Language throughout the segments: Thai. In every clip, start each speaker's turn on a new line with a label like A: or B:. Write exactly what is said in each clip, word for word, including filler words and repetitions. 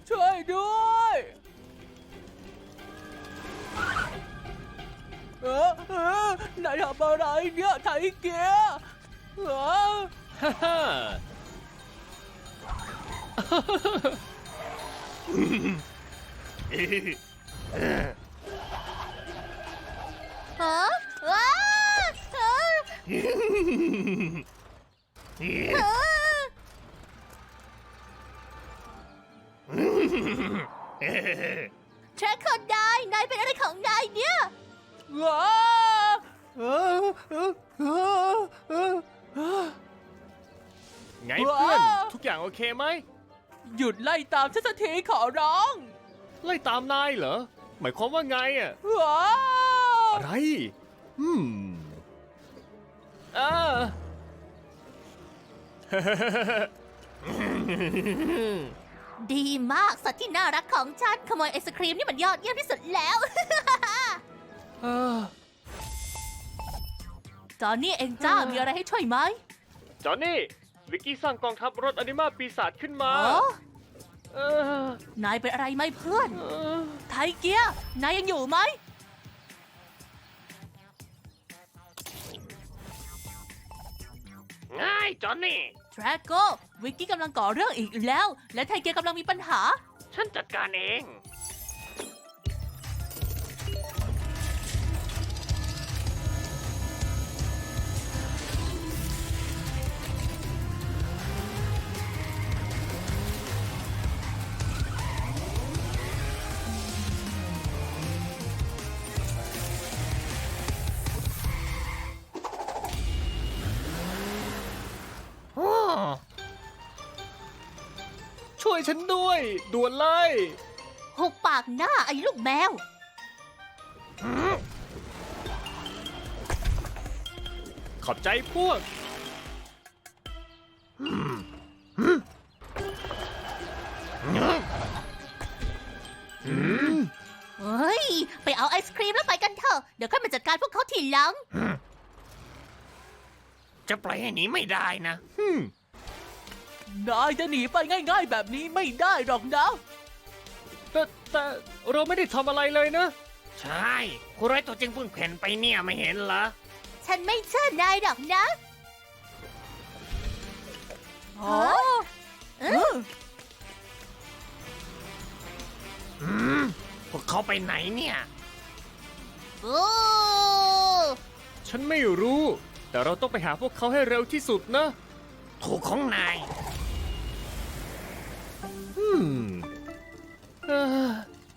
A: ช่วยด้วยเออเออนายทำอะไรเนี่ยไทเกียเออ
B: ฮ่าฮ่า
C: ฮะว้าฮะฮะแทร็กคนนายนายเป็นอะไรของนายเนี่ย
A: ว้าเออเออเออเออเออ
B: ไงเพื่อนทุกอย่างโอเคไหม
A: หยุดไล่ตามฉันสักทีขอร้อง
B: ไล่ตามนายเหรอหมายความว่าไงอ่ะ
A: ว้า
B: อะไรอืมอ่า
C: ดีมากสัตว์ที่น่ารักของฉันขโมยไอศครีมนี่มันยอดเยี่ยมที่สุดแล้ว
B: อ่า
C: จอนนี่เองจ้ามีอะไรให้ช่วยไหม
B: จอห์นนี่วิกกี้สร้างกองทัพรถอนิมาปีศาจขึ้นมา
C: อ๋อ
B: เออน
C: ายเป็นอะไรไหมเพื่อน
B: เออ
C: ไทเกียนายยังอยู่ไหม
B: ง่ายจอห์นนี่
C: ทรโกวิกกี้กำลังก่อเรื่องอีกแล้ว และไทเกียกำลังมีปัญหา
B: ฉันจัดการเอง ช่วยฉันด้วยด่วนเลย
C: หุบปากหน้าไอ้ลูกแมว
B: ขอบใจพวก
C: เฮ้ย ไปเอาไอศครีมแล้วไปกันเถอะ เดี๋ยวค่อยมาจัดการพวกเขาทีหลัง
B: จะปล่อยให้หนีไม่ได้นะฮึม
A: นายจะหนีไปง่ายๆแบบนี้ไม่ได้หรอกนะ
B: แต่แต่เราไม่ได้ทำอะไรเลยนะ
D: ใช่คุณร้อยตัวจริงเพิ่งเพ่นไปเนี่ยไม่เห็นเหรอ
C: ฉันไม่เชื่อนายหรอกนะ
A: โอ้
C: เออ
D: อืม พวกเขาไปไหนเนี่ย
C: โอ้
B: ฉันไม่รู้ แต่เราต้องไปหาพวกเขาให้เร็วที่สุดนะ
D: ถูกของนาย
B: อืมเอ่อ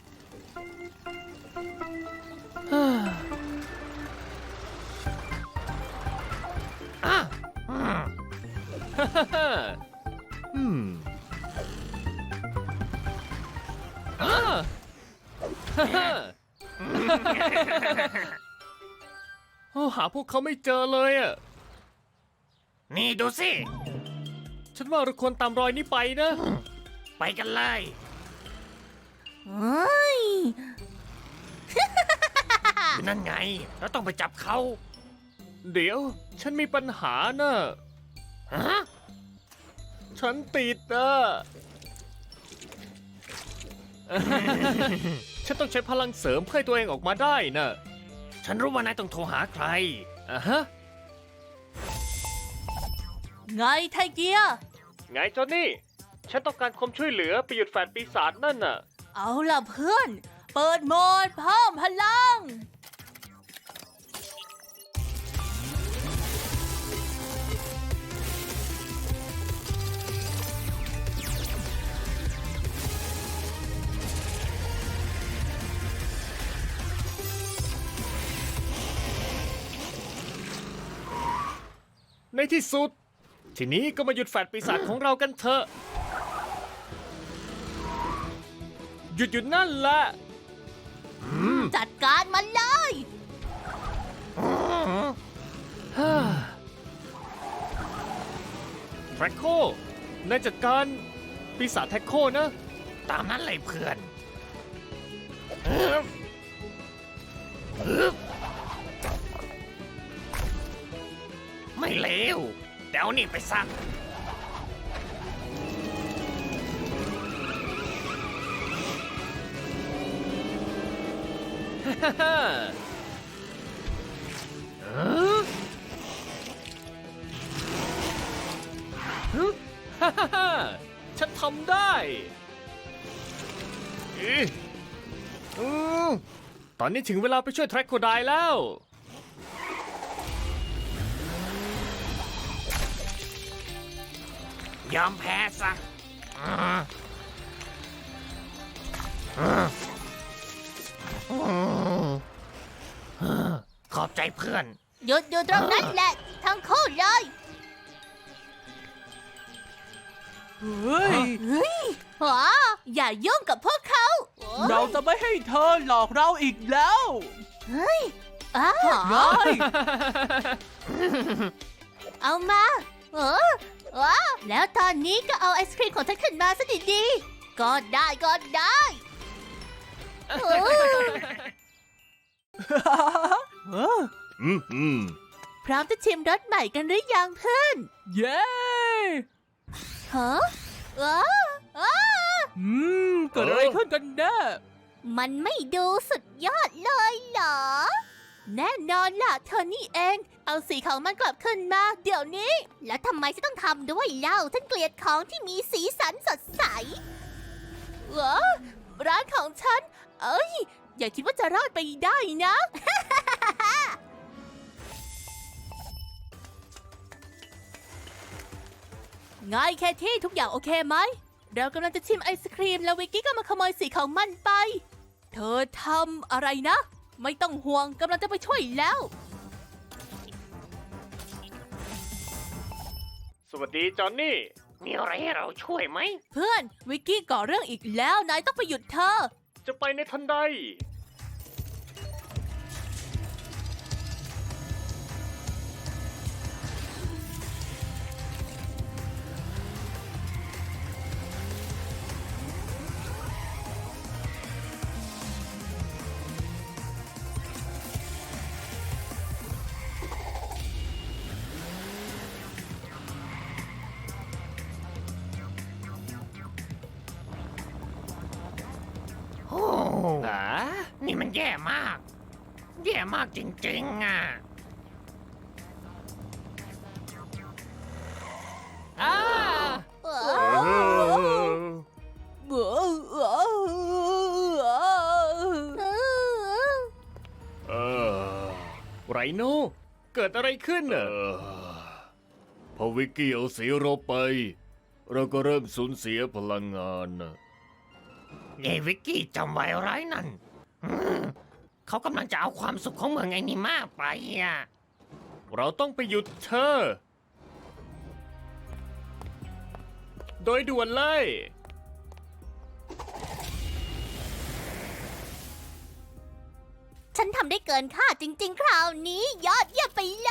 B: เอ่อ
D: อ่ะอืม
B: ฮ่าฮ่าฮ่าอืมอ่าฮ่าฮ่าโอ้หาพวกเขาไม่เจอเลยอ่ะ
D: นี่ดูสิ
B: ฉันว่าเราควรตามรอยนี้ไปนะ
D: ไปกันเลย
C: เฮ้ย
D: อยู่นั่นไง เราต้องไปจับเขา
B: เดี๋ยว ฉันมีปัญหาน่ะ
D: ฮะ
B: ฉันติดอ่ะ ฉันต้องใช้พลังเสริมเพื่อให้ตัวเองออกมาได้น่ะ
D: ฉันรู้ว่านายต้องโทรหาใคร
B: อ่ะฮะ
C: ไงไทเกีย
B: ไงจอนนี่ ฉันต้องการความช่วยเหลือไปหยุดแฟนปีศาจนั่นน่ะ
C: เอาล่ะเพื่อน เปิดโหมดเพิ่มพลัง
B: ในที่สุด ทีนี้ก็มาหยุดแฟนปีศาจของเรากันเถอะ หยุดหยุดนั่นแหละ
C: จัดการมันเลย
B: แทร็กโคนายจัดการปีศาจแทร็กโคนะ
D: ตามนั้นเลยเพื่อนไม่เลวเดี๋ยวนี่ไปซัก
B: ฮ่าฮ่าเออฮึฮ่าฮ่าฮ่าฉันทำได้อืออือตอนนี้ถึงเวลาไปช่วยแทร็กโคไดแล้ว
D: ยอมแพ้ซะอืมอืมอืมขอบใจเพื่อน
C: หยุดอยู่ตรงนั้นแหละ ทั้งคู่เลย
A: เฮ้ย
C: เฮ้ยหออย่ายุ่งกับพวกเขา
A: เราจะไม่ให้เธอหลอกเราอีกแล้ว
C: เฮ้ยอ้า
A: เฮ้ย
C: เอามาเออเออแล้วตอนนี้ก็เอาไอศครีมของฉันขึ้นมาซะดีๆก็ได้ก็ได้เออ
A: เออ
B: อืมอืม
C: พร้อมจะชิมรสใหม่กันหรือยังเพื่อน
A: เย้
C: ฮะเออเออ
A: อืมเกิดอะไรขึ้นกันแน่
C: มันไม่ดูสุดยอดเลยเหรอ แน่นอนล่ะเธอนี่เอง เอาสีของมันกลับขึ้นมา เดี๋ยวนี้ แล้วทำไมฉันต้องทำด้วยเล่า ฉันเกลียดของที่มีสีสันสดใสเหรอร้านของฉัน เอ้ย อย่าคิดว่าจะรอดไปได้นะ ง่ายแค่ที่ทุกอย่างโอเคไหม เรากำลังจะชิมไอศครีมแล้ววิกกี้ก็มาขโมยสีของมันไป เธอทำอะไรนะ ไม่ต้องห่วงกำลังจะไปช่วยแล้ว
B: สวัสดีจอนนี่
D: มีอะไรให้เราช่วยไหม
C: เพื่อนวิกกี้ก่อเรื่องอีกแล้ว นายต้องไปหยุดเธอ
B: จะไปในทันใด
D: โอ้
B: อ่า
D: นี่มันแย่มาก แย่มากจริงๆอ่ะ
B: อ่า
C: เอ
B: เอ
C: อ
B: อ
C: เออเออ
B: เออไรโนเกิดอะไรขึ้นเนอะพอวิกกี้เอาสีเราไป เราก็เริ่มสูญเสียพลังงานนะ
D: เยวิกกี้จำไว้ร้ายนั่นอืมเขากำลังจะเอาความสุขของเมืองไอนิมาไปอ่ะ
B: เราต้องไปหยุดเธอ โดยด่วนเลย
C: ฉันทำได้เกินคาดจริงๆ คราวนี้ ยอดเยี่ยมไปเลย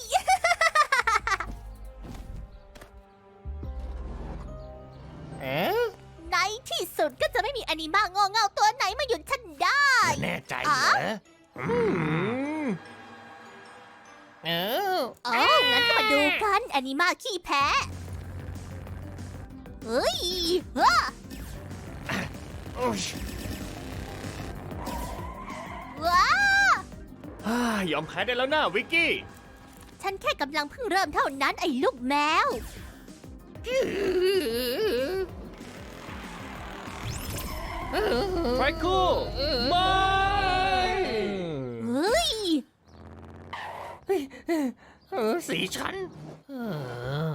D: เอ๊ะ
C: ในที่สุดก็จะไม่มีแอนิมาโง่เง่าตัวไหนมาหยุดฉันได้
D: แน่ใจเหรออืมเออ
C: เอ๋องั้นก็มาดูกันแอนิมาขี้แพ้ เฮ้ยเฮ้อ
D: อุ๊ย
C: ว้า
B: ฮ่ายอมแพ้ได้แล้วนะวิกกี้
C: ฉันแค่กำลังเพิ่งเริ่มเท่านั้นไอ้ลูกแมว
B: ไฟคูไม่
C: เฮ้ย
D: เออสีฉันเออ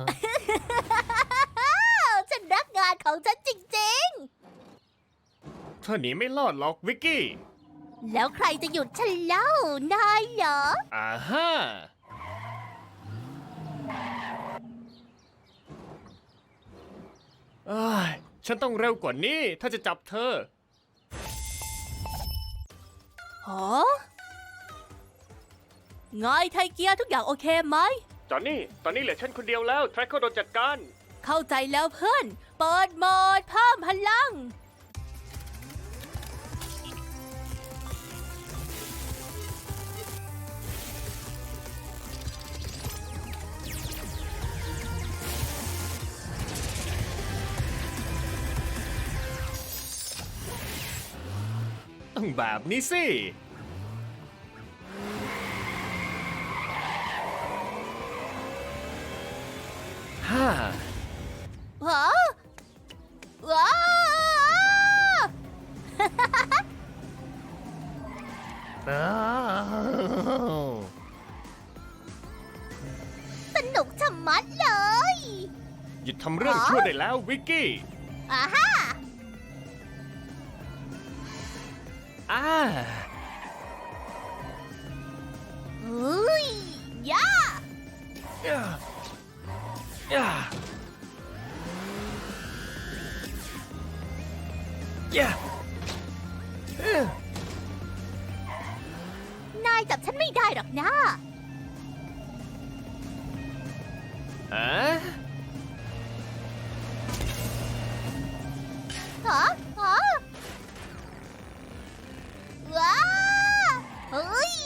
C: ฉันรักงานของฉันจริง
B: เธอหนีไม่รอดหรอกวิกกี้
C: ๆ แล้วใครจะหยุดฉันเล่านายเหรอ
B: อ่าฮ่าเอ้ยฉันต้องเร็วกว่านี้ถ้าจะจับเธอ
C: ฮะไงไทเกียร์ทุกอย่างโอเคไหม
B: จอนนี่ ตอนนี้เหลือฉันคนเดียวแล้ว แทร็กเขาโดนจัดการ
C: เข้าใจแล้วเพื่อน เปิดโหมดเพิ่มพลัง
B: ต้องแบบนี้สิ
C: ฮะว้าว
D: เออ
C: สนุกชะมัดเลย
B: หยุดทำเรื่องชั่วได้แล้ววิกกี้
C: อ่าฮะ
B: อ่า
C: เฮ้ยย่า
B: ย่าย่าย่าเอ้อน
C: ายจับฉันไม่ได้หรอกนะ
B: อ่ะ
C: ฮะฮะว้าเฮ้ย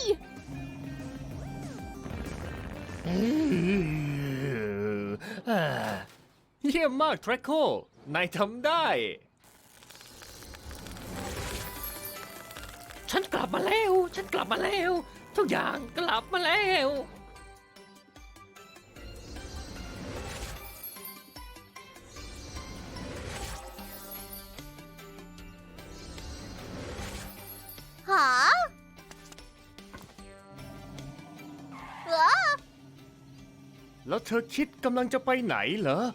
B: อ่าเยี่ยมมากทรคโค นายทำได้
D: ฉันกลับมาแล้ว ฉันกลับมาแล้ว ทุกอย่างกลับมาแล้ว
C: หาว้า
B: แล้วเธอคิดกำลังจะไปไหนเหรอ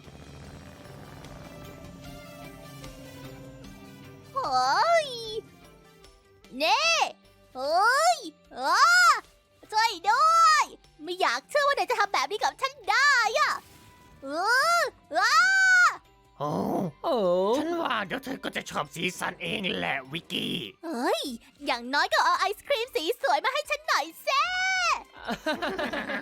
C: เฮ้ยเน่เฮ้ยอ้าช่วยด้วย ไม่อยากเชื่อว่านายจะทำแบบนี้กับฉันได้อะเอออ้า
D: โอ้
B: โอ้
D: ฉันว่าเดี๋ยวเธอก็จะชอบสีสันเองแหละวิกกี้
C: เฮ้ย อย่างน้อยก็เอาไอศครีมสีสวยมาให้ฉันหน่อยแซ่